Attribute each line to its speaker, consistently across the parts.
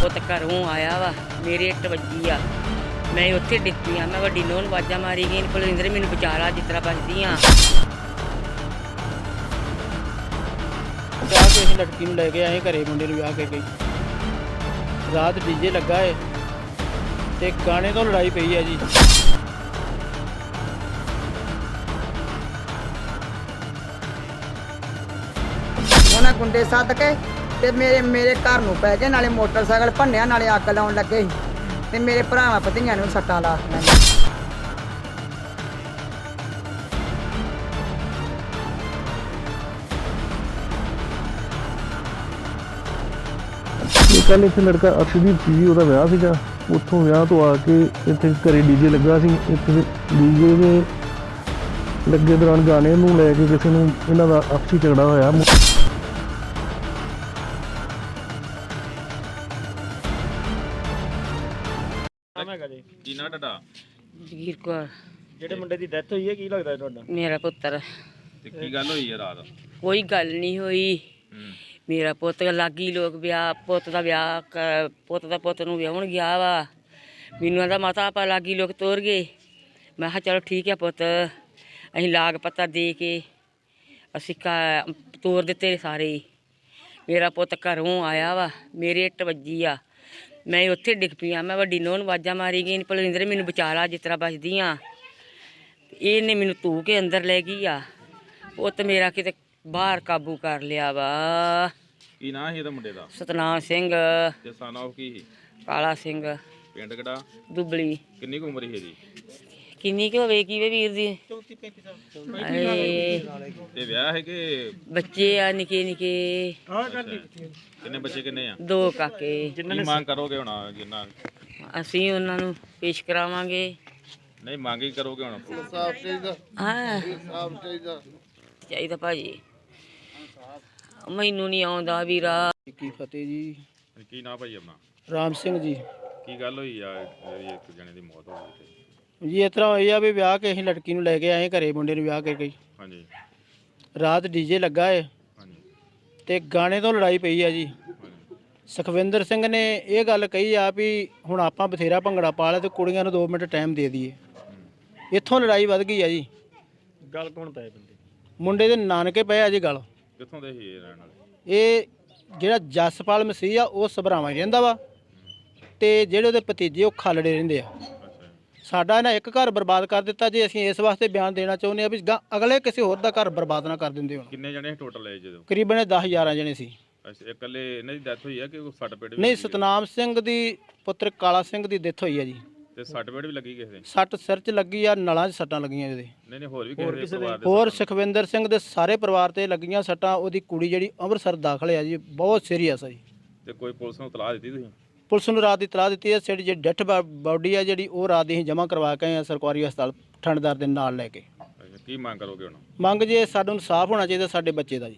Speaker 1: ਪੁੱਤ ਘਰੋਂ ਆਇਆ ਵਾ, ਮੇਰੇ ਇੱਟ ਵੱਜੀ ਆ, ਮੈਂ ਉੱਥੇ ਡਿੱਗ ਪਈ ਆ। ਮੈਂ ਵੱਡੀ ਨੂੰਹ ਨੂੰ ਆਵਾਜ਼ਾਂ ਮਾਰੀ ਗਈ, ਕੁਲਵਿੰਦਰ ਮੈਨੂੰ ਬਚਾ ਲਾ, ਜਿਸ ਤਰ੍ਹਾਂ ਬਚਦੀ ਆ।
Speaker 2: ਵਿਆਹ ਕੇ ਅਸੀਂ ਲੜਕੀ ਨੂੰ ਲੈ ਕੇ ਆਏ ਘਰੇ, ਮੁੰਡੇ ਨੂੰ ਵਿਆਹ ਕੇ ਗਈ। ਰਾਤ ਡੀਜੇ ਲੱਗਾ ਏ ਤੇ ਗਾਣੇ ਤੋਂ ਲੜਾਈ ਪਈ ਹੈ ਜੀ।
Speaker 3: ਉਹਨਾਂ ਗੁੰਡੇ ਸੱਦ ਕੇ ਤੇ ਮੇਰੇ ਘਰ ਨੂੰ ਪੈ ਗਏ, ਨਾਲੇ ਮੋਟਰਸਾਈਕਲ ਭੰਨਿਆ, ਨਾਲੇ ਅੱਗ ਲਾਉਣ ਲੱਗੇ ਸੀ ਤੇ ਮੇਰੇ ਭਰਾਵਾਂ ਭਤੀਆਂ ਨੂੰ ਸੱਟਾਂ ਲਾਤੀਆਂ।
Speaker 4: ਕੱਲ੍ਹ ਇੱਥੇ ਲੜਕਾ ਅਰਸ਼ਦੀਪ ਸੀ, ਉਹਦਾ ਵਿਆਹ ਸੀਗਾ। ਉੱਥੋਂ ਵਿਆਹ ਤੋਂ ਆ ਕੇ ਇੱਥੇ ਘਰੇ ਡੀਜੇ ਲੱਗਾ ਸੀ। ਇੱਥੇ ਡੀਜੇ ਦੇ ਲੱਗੇ ਦੌਰਾਨ ਗਾਣੇ ਨੂੰ ਲੈ ਕੇ ਕਿਸੇ ਨੂੰ ਇਹਨਾਂ ਦਾ ਆਪਸੀ ਝਗੜਾ ਹੋਇਆ।
Speaker 5: ਕੀ ਨਾਂ ਤੁਹਾਡਾ?
Speaker 1: ਜਗੀਰ ਕੌਰ
Speaker 2: ਜਿਹੜੇ ਮੁੰਡੇ ਦੀ ਡੈਥ ਹੋਈ ਹੈ, ਕੀ ਲੱਗਦਾ ਤੁਹਾਡਾ?
Speaker 1: ਮੇਰਾ ਪੁੱਤਰ।
Speaker 5: ਤੇ ਕੀ ਗੱਲ ਹੋਈ ਹੈ ਰਾਤ?
Speaker 1: ਕੋਈ ਗੱਲ ਨਹੀਂ ਹੋਈ। ਮੇਰਾ ਪੁੱਤ ਲਾਗੀ ਲੋਕ ਵਿਆਹ, ਪੁੱਤ ਦਾ ਪੁੱਤ ਨੂੰ ਵਿਆਹਣ ਗਿਆ ਵਾ। ਮੈਨੂੰ ਆਂਦਾ ਮਾਤਾ ਆਪਾਂ ਲਾਗੀ ਲੋਕ ਤੋਰ ਗਏ। ਮੈਂ ਕਿਹਾ ਚਲੋ ਠੀਕ ਹੈ ਪੁੱਤ, ਅਸੀਂ ਲਾਗ ਪੱਤਾ ਦੇ ਕੇ ਅਸੀਂ ਤੋਰ ਦਿੱਤੇ ਸਾਰੇ ਹੀ। ਮੇਰਾ ਪੁੱਤ ਘਰੋਂ ਆਇਆ ਵਾ, ਮੇਰੇ ਇੱਟ ਵੱਜੀ ਆ, ਮੈਂ ਉੱਥੇ ਡਿੱਗ ਪਈ ਆ। ਮੈਂ ਵੱਡੀ ਨੂੰਹ ਨੂੰ ਆਵਾਜ਼ਾਂ ਮਾਰੀ ਗਈ, ਕੁਲਵਿੰਦਰ ਮੈਨੂੰ ਬਚਾ ਲਾ, ਜਿਸ ਤਰ੍ਹਾਂ ਬਚਦੀ ਆ। ਇਹਨੇ ਮੈਨੂੰ ਧੂ ਕੇ ਅੰਦਰ ਲੈ ਗਈ ਆ। ਪੁੱਤ ਮੇਰਾ ਕਿਤੇ ਬਾਹਰ ਕਾਬੂ ਕਰ ਲਿਆ ਵਾ।
Speaker 5: ਕੀ ਨਾਂ ਸੀ ਇਹਦਾ ਮੁੰਡੇ ਦਾ?
Speaker 1: ਸਤਨਾਮ ਸਿੰਘ,
Speaker 5: ਤੇ ਸਨ ਆਫ ਕੀ ਸੀ?
Speaker 1: ਕਾਲਾ ਸਿੰਘ,
Speaker 5: ਪਿੰਡ ਕਿਹੜਾ?
Speaker 1: ਦੁਬਲੀ।
Speaker 5: ਕਿੰਨੀ ਕੁ ਉਮਰ ਸੀ ਇਹਦੀ?
Speaker 1: ਕਿੰਨੀ ਕੁ ਹੋਵੇ ਕੀ ਵੇ ਵੀਰ ਦੀ?
Speaker 2: 34-35 ਸਾਲ।
Speaker 5: ਤੇ ਵਿਆਹ ਹੈ ਕਿ
Speaker 1: ਬੱਚੇ ਆ ਨਿੱਕੇ ਨਿੱਕੇ।
Speaker 5: ਕਿੰਨੇ ਬੱਚੇ ਕਿੰਨੇ ਆ?
Speaker 1: 2 ਕਾਕੇ।
Speaker 5: ਕੀ ਮੰਗ ਕਰੋਗੇ ਹੁਣ? ਜਿੰਨਾ
Speaker 1: ਅਸੀਂ ਉਹਨਾਂ ਨੂੰ ਪੇਸ਼ ਕਰਾਵਾਂਗੇ।
Speaker 5: ਨਹੀਂ ਮੰਗ ਹੀ ਕਰੋਗੇ ਹੁਣ?
Speaker 1: ਹਾਂ ਚਾਹੀਦਾ ਭਾਜੀ, ਮੈਨੂੰ ਨਹੀਂ ਆਉਂਦਾ ਵੀਰਾ।
Speaker 2: ਕੀ ਫਤਿਹ ਜੀ।
Speaker 5: ਕੀ ਨਾਂ ਭਾਈ ਆਪਣਾ?
Speaker 2: ਰਾਮ ਸਿੰਘ ਜੀ।
Speaker 5: ਕੀ ਗੱਲ ਹੋਈ ਆ ਜਿਹੜੀ ਇੱਕ ਜਣੇ ਦੀ ਮੌਤ ਹੋ ਗਈ ਤੇ?
Speaker 2: ਜੀ ਇਸ ਤਰ੍ਹਾਂ ਹੋਈ ਆ ਵੀ ਵਿਆਹ ਕੇ ਅਸੀਂ ਲੜਕੀ ਨੂੰ ਲੈ ਕੇ ਆਏ ਘਰੇ, ਮੁੰਡੇ ਨੂੰ ਵਿਆਹ ਕੇ ਗਈ।
Speaker 5: ਹਾਂਜੀ
Speaker 2: ਰਾਤ ਡੀਜੇ ਲੱਗਾ ਏ
Speaker 5: ਹਾਂਜੀ
Speaker 2: ਤੇ ਗਾਣੇ ਤੋਂ ਲੜਾਈ ਪਈ ਆ ਜੀ। ਸੁਖਵਿੰਦਰ ਸਿੰਘ ਨੇ ਇਹ ਗੱਲ ਕਹੀ ਆ ਵੀ ਹੁਣ ਆਪਾਂ ਬਥੇਰਾ ਭੰਗੜਾ ਪਾ ਲਿਆ ਤੇ ਕੁੜੀਆਂ ਨੂੰ 2 ਮਿੰਟ ਟਾਈਮ ਦੇ ਦਈਏ। ਇੱਥੋਂ ਲੜਾਈ ਵੱਧ ਗਈ ਆ ਜੀ।
Speaker 6: ਗੱਲ ਕੌਣ ਪਏ ਬੰਦੇ?
Speaker 2: ਮੁੰਡੇ ਦੇ ਨਾਨਕੇ ਪਏ ਆ ਜੀ ਗੱਲ।
Speaker 5: ਕਿੱਥੋਂ ਦੇ ਸੀ ਇਹ ਰਹਿਣ ਵਾਲੇ?
Speaker 2: ਇਹ ਜਿਹੜਾ ਜਸਪਾਲ ਮਸੀਹ ਆ ਉਹ ਸਭਰਾਵਾਂ ਹੀ ਰਹਿੰਦਾ ਵਾ ਤੇ ਜਿਹੜੇ ਉਹਦੇ ਭਤੀਜੇ ਉਹ ਖਾਲੜੇ ਰਹਿੰਦੇ ਆ। ਸਾਡਾ ਇਹਨਾਂ ਇੱਕ ਘਰ ਬਰਬਾਦ ਕਰ ਦਿੱਤਾ ਜੀ। ਅਸੀਂ ਇਸ ਵਾਸਤੇ ਬਿਆਨ ਦੇਣਾ ਚਾਹੁੰਦੇ ਆ ਵੀ ਅਗਲੇ ਕਿਸੇ ਹੋਰ ਦਾ ਘਰ ਬਰਬਾਦ ਨਾ ਕਰ ਦਿੰਦੇ ਹੋਣ।
Speaker 5: ਕਿੰਨੇ ਜਣੇ ਟੋਟਲ ਹੈ ਜਦੋਂ?
Speaker 2: ਕਰੀਬਨ 10-11 ਜਣੇ ਸੀ।
Speaker 5: ਅੱਛਾ, ਇਕੱਲੇ ਇਹਨਾਂ ਦੀ ਡੈਥ ਹੋਈ ਆ ਕਿ ਸੱਟ ਪੇਟ ਵੀ
Speaker 2: ਨਹੀਂ,
Speaker 5: ਲੱਗੀ ਆ?
Speaker 2: ਸਤਨਾਮ ਸਿੰਘ ਦੀ ਪੁੱਤਰ ਕਾਲਾ ਸਿੰਘ ਦੀ ਡੈਥ ਹੋਈ ਆ ਜੀ।
Speaker 5: ਤੇ ਸੱਟ ਪੇਟ ਵੀ ਲੱਗੀ ਕਿਸੇ ਦੇ?
Speaker 2: ਸੱਟ ਸਿਰ 'ਚ ਲੱਗੀ ਆ, ਨਲਾਂ 'ਚ ਸੱਟਾਂ ਲੱਗੀਆਂ ਇਹਦੇ।
Speaker 5: ਨਹੀਂ ਹੋਰ ਵੀ ਕਿਸੇ ਦੇ ਪਰਿਵਾਰ ਦੇ?
Speaker 2: ਹੋਰ ਸੁਖਵਿੰਦਰ ਸਿੰਘ ਦੇ ਸਾਰੇ ਪਰਿਵਾਰ ਤੇ ਲੱਗੀਆਂ ਸੱਟਾਂ। ਉਹਦੀ ਕੁੜੀ ਜਿਹੜੀ ਅੰਮ੍ਰਿਤਸਰ ਦਾਖਲ ਆ ਜੀ, ਬਹੁਤ ਸੀਰੀਅਸ ਆ ਜੀ।
Speaker 5: ਤੇ ਕੋਈ ਪੁਲਿਸ ਨੂੰ ਇਤਲਾਹ ਦਿੱਤੀ ਤੁਸੀਂ?
Speaker 2: ਪੁਲਿਸ ਨੂੰ ਰਾਤ ਦੀ ਇਤਲਾਹ ਦਿੱਤੀ ਹੈ। ਸਾਡੀ ਜਿਹੜੀ ਡੈਥ ਬਾਡੀ ਆ ਜਿਹੜੀ ਉਹ ਰਾਤ ਦੀ ਅਸੀਂ ਜਮ੍ਹਾਂ ਕਰਵਾ ਕੇ ਆਏ ਆ ਸਰਕਾਰੀ ਹਸਪਤਾਲ ਠੰਡਦਾਰ ਦੇ ਨਾਲ ਲੈ ਕੇ।
Speaker 5: ਅੱਛਾ, ਕੀ ਮੰਗ ਕਰੋਗੇ ਹੁਣ?
Speaker 2: ਮੰਗ ਜੇ ਸਾਨੂੰ ਇਨਸਾਫ ਹੋਣਾ ਚਾਹੀਦਾ ਸਾਡੇ ਬੱਚੇ ਦਾ ਜੀ।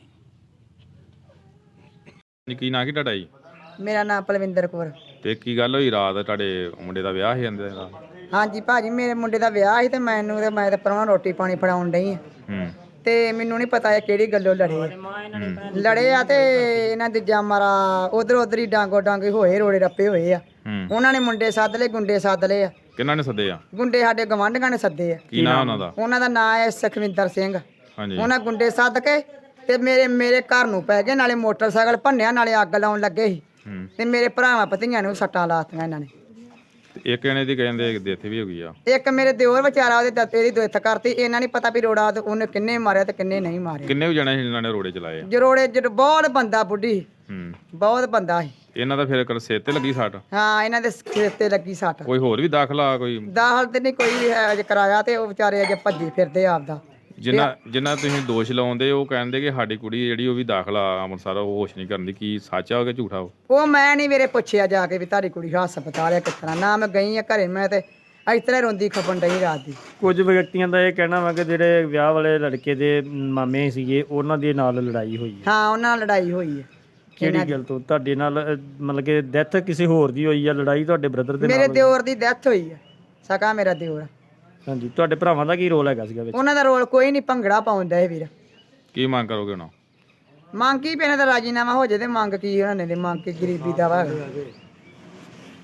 Speaker 5: ਕੀ ਨਾਂ ਕੀ ਤੁਹਾਡਾ ਜੀ?
Speaker 3: ਮੇਰਾ ਨਾਮ ਪਲਵਿੰਦਰ ਕੌਰ।
Speaker 5: ਤੇ ਕੀ ਗੱਲ ਹੋਈ ਰਾਤ? ਤੁਹਾਡੇ ਮੁੰਡੇ ਦਾ ਵਿਆਹ ਸੀ ਜਾਂਦੇ ਦਾ?
Speaker 3: ਹਾਂਜੀ ਭਾਜੀ, ਮੇਰੇ ਮੁੰਡੇ ਦਾ ਵਿਆਹ ਸੀ ਤੇ ਮੈਂ ਤਾਂ ਪਰਵਾਂ ਰੋਟੀ ਪਾਣੀ ਫੜਾਉਣ ਡਈ ਆ ਤੇ ਮੈਨੂੰ ਨਹੀਂ ਪਤਾ ਇਹ ਕਿਹੜੀ ਗੱਲੋਂ ਲੜੇ ਆ ਤੇ ਇਹਨਾਂ ਦੇ ਜਾਮਰਾ ਉਧਰ ਹੀ ਡਾਂਗੋ ਡਾਂਗੇ ਹੋਏ, ਰੋੜੇ ਰੱਪੇ ਹੋਏ ਆ। ਉਹਨਾਂ ਨੇ ਮੁੰਡੇ ਸੱਦ ਲਏ, ਗੁੰਡੇ ਸੱਦ ਲਏ ਆ।
Speaker 5: ਕਿਹਨਾਂ ਨੇ ਸੱਦੇ ਆ?
Speaker 3: ਗੁੰਡੇ ਸਾਡੇ ਗਵਾਂਢੀਆਂ ਨੇ ਸੱਦੇ ਆ।
Speaker 5: ਕੀ ਨਾਂ ਉਹਨਾਂ ਦਾ?
Speaker 3: ਉਹਨਾਂ ਦਾ ਨਾਂ ਹੈ ਸੁਖਵਿੰਦਰ ਸਿੰਘ।
Speaker 5: ਹਾਂਜੀ।
Speaker 3: ਉਹਨਾਂ ਗੁੰਡੇ ਸੱਦ ਕੇ ਤੇ ਮੇਰੇ ਘਰ ਨੂੰ ਪੈ ਗਏ, ਨਾਲੇ ਮੋਟਰਸਾਈਕਲ ਭੰਨਿਆ, ਨਾਲੇ ਅੱਗ ਲਾਉਣ ਲੱਗੇ ਸੀ ਤੇ ਮੇਰੇ ਭਰਾਵਾਂ ਭਤੀਆਂ ਨੂੰ ਸੱਟਾਂ ਲਾਤੀਆਂ ਇਹਨਾਂ ਨੇ।
Speaker 5: ਇੱਕ ਜਣੇ ਦੀ ਕਹਿੰਦੇ ਡੈਥ ਵੀ ਹੋ ਗਈ ਆ।
Speaker 3: ਇੱਕ ਮੇਰੇ ਦਿਓਰ ਵਿਚਾਰਾ ਉਹਦੇ ਦਾਤੇ ਦੀ ਡੈਥ ਕਰਤੀ। ਇਹਨਾਂ ਨਹੀਂ ਪਤਾ ਵੀ ਰੋੜਾ ਉਹਨੇ ਕਿੰਨੇ ਮਾਰਿਆ ਤੇ ਕਿੰਨੇ ਨਹੀਂ ਮਾਰਿਆ।
Speaker 5: ਕਿੰਨੇ ਵੀ ਜਣੇ ਸੀ ਜਿਨ੍ਹਾਂ ਨੇ ਰੋੜੇ ਚਲਾਏ ਆ?
Speaker 3: ਜਰੋੜੇ ਬਹੁਤ ਬੰਦਾ ਬੁੱਢੀ, ਬਹੁਤ ਬੰਦਾ ਸੀ।
Speaker 5: ਇਹਨਾਂ ਦਾ ਫਿਰ ਸਿਰ ਤੇ ਲੱਗੀ ਸੱਟ?
Speaker 3: ਹਾਂ, ਇਹਨਾਂ ਦੇ ਸਿਰ ਤੇ ਲੱਗੀ ਸੱਟ।
Speaker 5: ਕੋਈ ਹੋਰ ਵੀ ਦਾਖਲਾ? ਕੋਈ
Speaker 3: ਦਾਖਲ ਤੇ ਨਹੀਂ ਕੋਈ ਹੈ ਅਜੇ ਕਰਾਇਆ ਤੇ ਉਹ ਵਿਚਾਰੇ ਅਜੇ ਭੱਜੀ ਫਿਰਦੇ ਆਪਦਾ।
Speaker 5: ਜਿਨ੍ਹਾਂ ਤੁਸੀਂ ਦੋਸ਼ ਲਾਉਂਦੇ ਉਹ ਕਹਿੰਦੇ ਕਿ ਸਾਡੀ ਕੁੜੀ ਜਿਹੜੀ ਉਹ ਵੀ ਦਾਖਲਾ ਅੰਮ੍ਰਿਤਸਰ, ਉਹ ਹੋਸ਼ ਨਹੀਂ ਕਰਦੀ। ਕੀ ਸੱਚ ਆ ਕਿ ਝੂਠਾ?
Speaker 3: ਉਹ ਮੈਂ ਨਹੀਂ ਮੇਰੇ ਪੁੱਛਿਆ ਜਾ ਕੇ ਵੀ ਤੁਹਾਡੀ ਕੁੜੀ ਹਸਪਤਾਲ ਆ ਕਿਸ ਤਰ੍ਹਾਂ। ਨਾ ਮੈਂ ਗਈ ਆ ਘਰੇ, ਮੈਂ ਤੇ ਇਸ ਤਰ੍ਹਾਂ ਰੋਂਦੀ ਖਪਣ ਡਈ ਰਾਤ ਦੀ।
Speaker 6: ਕੁਝ ਵਿਅਕਤੀਆਂ ਦਾ ਇਹ ਕਹਿਣਾ ਵਾ ਕਿ ਜਿਹੜੇ ਵਿਆਹ ਵਾਲੇ ਲੜਕੇ ਦੇ ਮਾਮੇ ਸੀਗੇ ਉਹਨਾਂ ਦੇ ਨਾਲ ਲੜਾਈ ਹੋਈ ਹੈ।
Speaker 3: ਹਾਂ, ਉਹਨਾਂ ਨਾਲ ਲੜਾਈ ਹੋਈ ਹੈ।
Speaker 6: ਕਿਹੜੀ ਗੱਲ ਤੋਂ? ਤੁਹਾਡੇ ਨਾਲ ਮਤਲਬ ਕਿ ਡੈਥ ਕਿਸੇ ਹੋਰ ਦੀ ਹੋਈ ਆ? ਲੜਾਈ ਤੁਹਾਡੇ ਬ੍ਰਦਰ ਦੇ ਨਾਲ?
Speaker 3: ਮੇਰੇ ਦਿਓਰ ਦੀ ਡੈਥ ਹੋਈ ਹੈ, ਸਕਾ ਮੇਰਾ ਦਿਓਰ।
Speaker 6: ਹਾਂਜੀ। ਤੁਹਾਡੇ ਭਰਾਵਾਂ ਦਾ ਕੀ ਰੋਲ ਹੈਗਾ ਸੀਗਾ ਵਿੱਚ?
Speaker 3: ਉਹਨਾਂ ਦਾ ਰੋਲ ਕੋਈ ਨਹੀਂ, ਭੰਗੜਾ ਪਾਉਂਦਾ ਇਹ ਵੀਰ।
Speaker 5: ਕੀ ਮੰਗ ਕਰੋਗੇ ਹੁਣ?
Speaker 3: ਮੰਗ ਕੀ ਪੈਣਾ ਤਾਂ ਰਾਜੀਨਾਮਾ ਹੋ ਜੇ ਤੇ ਮੰਗ ਕੀ ਉਹਨਾਂ ਨੇ ਮੰਗ ਕੇ ਗਰੀਬੀ ਦਾ ਵਾ।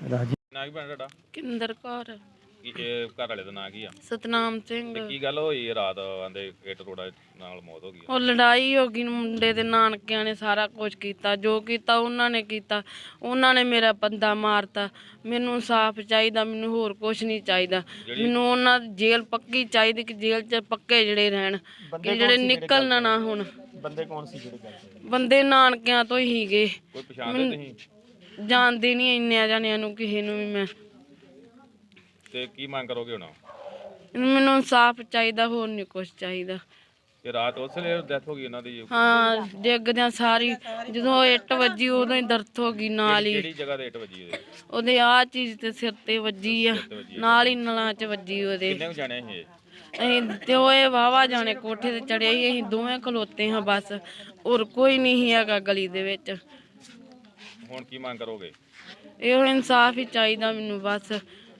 Speaker 6: ਰਾਜੀ
Speaker 5: ਨਾਂ ਕੀ ਭੈਣ ਤੁਹਾਡਾ?
Speaker 1: ਕਿੰਦਰ ਕੌਰ
Speaker 5: ਕੀ ਇਹ ਘਰ ਵਾਲੇ ਦਾ ਨਾਂ ਕੀ ਆ?
Speaker 1: ਸਤਨਾਮ ਸਿੰਘ।
Speaker 5: ਤੇ ਕੀ ਗੱਲ ਹੋਈ ਰਾਤ ਆਂਦੇ ਇੱਟ ਰੋੜਾ ਨਾਲ ਮੌਤ ਹੋ ਗਈ?
Speaker 1: ਉਹ ਲੜਾਈ ਹੋ ਗਈ, ਮੁੰਡੇ ਦੇ ਨਾਨਕਿਆਂ ਨੇ ਸਾਰਾ ਕੁਝ ਕੀਤਾ, ਜੋ ਕੀਤਾ ਉਹਨਾਂ ਨੇ ਕੀਤਾ। ਉਹਨਾਂ ਨੇ ਮੇਰਾ ਬੰਦਾ ਮਾਰਤਾ। ਮੈਨੂੰ ਇਨਸਾਫ ਚਾਹੀਦਾ, ਮੈਨੂੰ ਹੋਰ ਕੁਝ ਨਹੀਂ ਚਾਹੀਦਾ। ਮੈਨੂੰ ਉਹਨਾਂ ਦੀ ਜੇਲ੍ਹ ਪੱਕੀ ਚਾਹੀਦੀ ਕਿ ਜੇਲ੍ਹ 'ਚ ਪੱਕੇ ਜਿਹੜੇ ਰਹਿਣ, ਕਿ ਜਿਹੜੇ ਨਿਕਲਣਾ ਨਾ ਹੁਣ।
Speaker 6: ਬੰਦੇ ਕੌਣ ਸੀ ਜਿਹੜੇ ਕਰਦੇ?
Speaker 1: ਬੰਦੇ ਨਾਨਕਿਆਂ ਤੋਂ ਹੀ ਗਏ,
Speaker 5: ਕੋਈ ਪਛਾਣਦੇ ਤੁਸੀਂ?
Speaker 1: ਜਾਣਦੇ ਨਹੀਂ ਇੰਨਿਆਂ ਜਾਣਿਆਂ ਨੂੰ ਕਿਸੇ ਨੂੰ ਵੀ ਮੈਂ।
Speaker 5: ਤੇ ਕੀ ਮੰਗ ਕਰੋਗੇ ਹੁਣ?
Speaker 1: ਮੈਨੂੰ ਇਨਸਾਫ ਚਾਹੀਦਾ, ਹੋਰ ਨਹੀਂ ਕੁਝ ਚਾਹੀਦਾ।
Speaker 5: ਇਹ ਰਾਤ ਉਸ ਵੇਲੇ ਡੈਥ ਹੋ ਗਈ ਇਹਨਾਂ ਦੀ?
Speaker 1: ਹਾਂ, ਡਿੱਗਦਿਆਂ ਸਾਰੀ ਜਦੋਂ ਇੱਟ ਵੱਜੀ ਉਦੋਂ ਹੀ ਦਰਦ ਹੋ ਗਈ ਨਾਲ ਹੀ।
Speaker 5: ਕਿਹੜੀ ਜਗ੍ਹਾ ਤੇ ਇੱਟ ਵੱਜੀ ਇਹਦੇ?
Speaker 1: ਉਹਦੇ ਆਹ ਚੀਜ਼ ਤੇ ਸਿਰ ਤੇ ਵੱਜੀ ਆ, ਨਾਲ ਹੀ ਨਲਾਂ 'ਚ ਵੱਜੀ ਉਹਦੇ।
Speaker 5: ਕਿੰਨੇ ਕੁ ਜਾਣੇ ਇਹ?
Speaker 1: ਅਸੀਂ ਤੇ ਉਹ ਇਹ ਵਾਵਾ ਜਾਣੇ ਕੋਠੇ ਤੇ ਚੜਿਆ ਹੀ, ਅਸੀਂ ਦੋਵੇਂ ਖਲੋਤੇ ਹਾਂ ਬਸ, ਹੋਰ ਕੋਈ ਨਹੀਂ ਸੀ ਹੈਗਾ ਗਲੀ ਦੇ ਵਿੱਚ।
Speaker 5: ਹੁਣ ਕੀ ਮੰਗ ਕਰੋਗੇ?
Speaker 1: ਇਹੋ ਇਨਸਾਫ ਹੀ ਚਾਹੀਦਾ ਮੈਨੂੰ ਬਸ।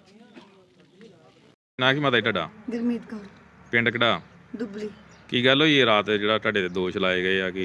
Speaker 5: ਨਾਂ ਕੀ ਮਾਤਾ ਜੀ ਤੁਹਾਡਾ?
Speaker 3: ਗੁਰਮੀਤ ਕੌਰ
Speaker 5: ਪਿੰਡ ਕਿਹੜਾ?
Speaker 3: ਦੁੱਬਲੀ।
Speaker 5: ਕੀ ਗੱਲ ਹੋਈ ਇਹ ਰਾਤ ਜਿਹੜਾ ਤੁਹਾਡੇ ਤੇ ਦੋਸ਼ ਲਾਏ ਗਏ ਆ ਕਿ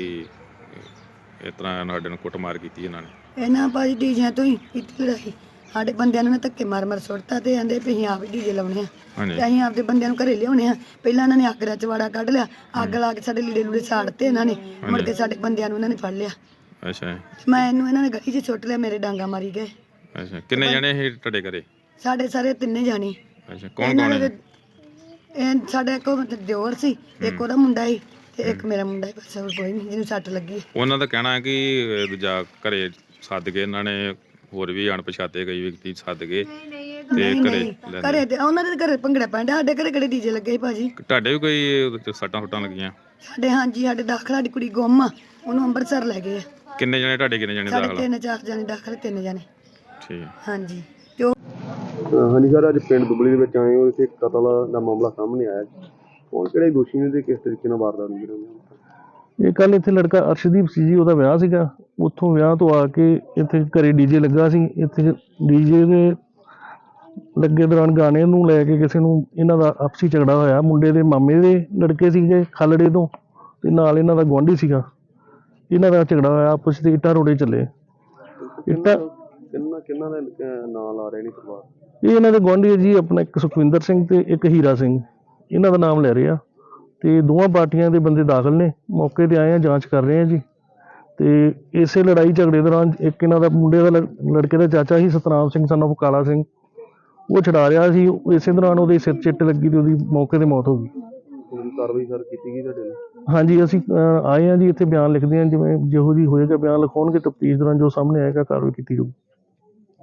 Speaker 5: ਇਸ ਤਰ੍ਹਾਂ ਸਾਡੇ ਨੂੰ ਕੁੱਟਮਾਰ ਕੀਤੀ ਇਹਨਾਂ ਨੇ?
Speaker 3: ਇਹਨਾਂ ਭਾਜੀ ਡੀਜਿਆਂ ਤੋਂ ਹੀ ਕੀਤੀ ਲੜਾਈ। ਸਾਡੇ ਬੰਦਿਆਂ ਨੂੰ ਧੱਕੇ ਮਾਰ ਸੁੱਟਤਾ ਤੇ ਕਹਿੰਦੇ ਵੀ ਅਸੀਂ ਆਪ ਹੀ ਡੀਜੇ ਲਾਉਣੇ ਆ
Speaker 5: ਹਾਂਜੀ।
Speaker 3: ਤੇ ਅਸੀਂ ਆਪਦੇ ਬੰਦਿਆਂ ਨੂੰ ਘਰੇ ਲਿਆਉਣੇ ਆ। ਪਹਿਲਾਂ ਇਹਨਾਂ ਨੇ ਅੱਗ ਦਾ ਚਵਾੜਾ ਕੱਢ ਲਿਆ, ਅੱਗ ਲਾ ਕੇ ਸਾਡੇ ਲੀੜੇ ਲੂੜੇ ਸਾੜਤੇ ਇਹਨਾਂ ਨੇ। ਮੁੜ ਕੇ ਸਾਡੇ ਬੰਦਿਆਂ ਨੂੰ ਇਹਨਾਂ ਨੇ ਫੜ ਲਿਆ।
Speaker 5: ਅੱਛਾ
Speaker 3: ਮੈਂ ਇਹਨੂੰ ਇਹਨਾਂ ਨੇ ਗਲੀ 'ਚ ਸੁੱਟ ਲਿਆ, ਮੇਰੇ ਡਾਂਗਾ ਮਾਰੀ ਗਏ।
Speaker 5: ਅੱਛਾ, ਕਿੰਨੇ ਜਣੇ ਇਹ ਤੁਹਾਡੇ ਘਰੇ?
Speaker 3: ਸਾਡੇ ਸਾਰੇ ਤਿੰਨੇ ਜਾਣੇ।
Speaker 5: ਅੱਛਾ, ਕੌਣ ਕੌਣ ਹੈ?
Speaker 3: ਇਹ ਸਾਡਾ ਇੱਕ ਦਿਓਰ ਸੀ, ਇੱਕ ਉਹਦਾ ਮੁੰਡਾ ਸੀ ਤੇ ਇੱਕ ਮੇਰਾ ਮੁੰਡਾ ਸੀ। ਬਸ ਹੋਰ ਕੋਈ ਨਹੀਂ ਜਿਹਨੂੰ ਸੱਟ ਲੱਗੀ।
Speaker 5: ਉਹਨਾਂ ਦਾ ਕਹਿਣਾ ਹੈ ਕਿ ਦੂਜਾ ਘਰੇ ਸੱਦ ਕੇ ਇਹਨਾਂ ਨੇ ਹੋਰ ਵੀ ਅਣਪਛਾਤੇ ਕਈ ਵਿਅਕਤੀ ਸੱਦ ਕੇ ਤੇ ਘਰੇ ਲੈਂਦੇ।
Speaker 3: ਘਰੇ ਤੇ ਉਹਨਾਂ ਦੇ ਘਰੇ ਭੰਗੜਾ ਪੈਂਦਾ, ਸਾਡੇ ਘਰੇ ਕਿਹੜੇ ਡੀਜੇ ਲੱਗੇ ਸੀ ਭਾਜੀ।
Speaker 5: ਤੁਹਾਡੇ ਵੀ ਕੋਈ ਉਹਦੇ ਤੇ ਸੱਟਾਂ ਸੁੱਟਾਂ ਲੱਗੀਆਂ?
Speaker 3: ਸਾਡੇ ਹਾਂਜੀ, ਸਾਡੇ ਦਾਖਲ ਸਾਡੀ ਕੁੜੀ ਗੁੰਮ ਆ, ਉਹਨੂੰ ਅੰਮ੍ਰਿਤਸਰ ਲੈ ਗਏ ਆ।
Speaker 5: ਕਿੰਨੇ ਜਣੇ ਤੁਹਾਡੇ? ਕਿੰਨੇ ਜਣੇ
Speaker 3: ਸਾਡੇ
Speaker 5: ਦਾਖਲ?
Speaker 3: 3-4 ਜਾਣੇ ਦਾਖਲ, 3 ਜਾਣੇ।
Speaker 5: ਠੀਕ।
Speaker 3: ਹਾਂਜੀ ਤੇ ਉਹ
Speaker 4: ਹਾਂਜੀ ਸਰ, ਅੱਜ ਪਿੰਡ ਦੁਬਲੀ ਦੇ ਵਿੱਚ ਆਏ ਹੋ, ਇੱਥੇ ਕਤਲ ਦਾ ਮਾਮਲਾ ਸਾਹਮਣੇ ਆਇਆ। ਕੌਣ ਕਿਹੜੇ ਦੋਸ਼ੀ ਨੇ ਤੇ ਕਿਸ ਤਰੀਕੇ ਨਾਲ ਵਾਰਦਾਤ ਹੋਈ? ਇਹ ਕੱਲ ਇੱਥੇ ਲੜਕਾ ਅਰਸ਼ਦੀਪ ਸੀ ਜੀ, ਉਹਦਾ ਵਿਆਹ ਸੀਗਾ। ਉੱਥੋਂ ਵਿਆਹ ਤੋਂ ਆ ਕੇ ਇੱਥੇ ਘਰੇ ਡੀਜੇ ਲੱਗਾ ਸੀ। ਇੱਥੇ ਡੀਜੇ ਦੇ ਲੱਗੇ ਦੌਰਾਨ ਗਾਣੇ ਨੂੰ ਲੈ ਕੇ ਕਿਸੇ ਨੂੰ ਇਹਨਾਂ ਦਾ ਆਪਸੀ ਝਗੜਾ ਹੋਇਆ। ਮੁੰਡੇ ਦੇ ਮਾਮੇ ਦੇ ਲੜਕੇ ਸੀਗੇ ਖਾਲੜੇ ਤੋਂ, ਤੇ ਨਾਲ ਇਹਨਾਂ ਦਾ ਗੁਆਂਢੀ ਸੀਗਾ। ਇਹਨਾਂ ਦਾ ਝਗੜਾ ਹੋਇਆ, ਆਪਸ ਵਿੱਚ ਇੱਟਾਂ ਰੋੜੇ ਚੱਲੇ। ਇੱਟਾਂ ਕਿੰਨਾ ਦਾ ਨਾਂ ਲਾ ਰਹੇ ਨੇ ਪਰਿਵਾਰ? ਇਹ ਇਹਨਾਂ ਦੇ ਗੁਆਂਢੀ ਹੈ ਜੀ, ਆਪਣਾ ਇੱਕ ਸੁਖਵਿੰਦਰ ਸਿੰਘ ਤੇ ਇੱਕ ਹੀਰਾ ਸਿੰਘ, ਇਹਨਾਂ ਦਾ ਨਾਮ ਲੈ ਰਹੇ ਆ। ਤੇ ਦੋਵਾਂ ਪਾਰਟੀਆਂ ਦੇ ਬੰਦੇ ਦਾਖਲ ਨੇ, ਮੌਕੇ ਤੇ ਆਏ ਆ, ਜਾਂਚ ਕਰ ਰਹੇ ਆ ਜੀ। ਤੇ ਇਸੇ ਲੜਾਈ ਝਗੜੇ ਦੌਰਾਨ ਇੱਕ ਇਹਨਾਂ ਦਾ ਮੁੰਡੇ ਦਾ ਲੜਕੇ ਦਾ ਚਾਚਾ ਸੀ ਸਤਨਾਮ ਸਿੰਘ son of ਕਾਲਾ ਸਿੰਘ, ਉਹ ਛਡਾ ਰਿਹਾ ਸੀ। ਇਸੇ ਦੌਰਾਨ ਉਹਦੇ ਸਿਰ 'ਚ ਇੱਟ ਲੱਗੀ ਤੇ ਉਹਦੀ ਮੌਕੇ ਤੇ ਮੌਤ ਹੋ ਗਈ। ਕਾਰਵਾਈ ਸਰ ਕੀਤੀ ਗਈ ਤੁਹਾਡੇ ਨਾਲ? ਹਾਂਜੀ, ਅਸੀਂ ਆਏ ਆ ਜੀ, ਇੱਥੇ ਬਿਆਨ ਲਿਖਦੇ ਆ। ਜਿਵੇਂ ਜਿਹੋ ਜੀ ਹੋਏਗਾ ਬਿਆਨ ਲਿਖਾਉਣਗੇ, ਤਫਤੀਸ਼ ਦੌਰਾਨ ਜੋ ਸਾਹਮਣੇ ਆਏਗਾ ਕਾਰਵਾਈ ਕੀਤੀ ਜਾਊਗੀ।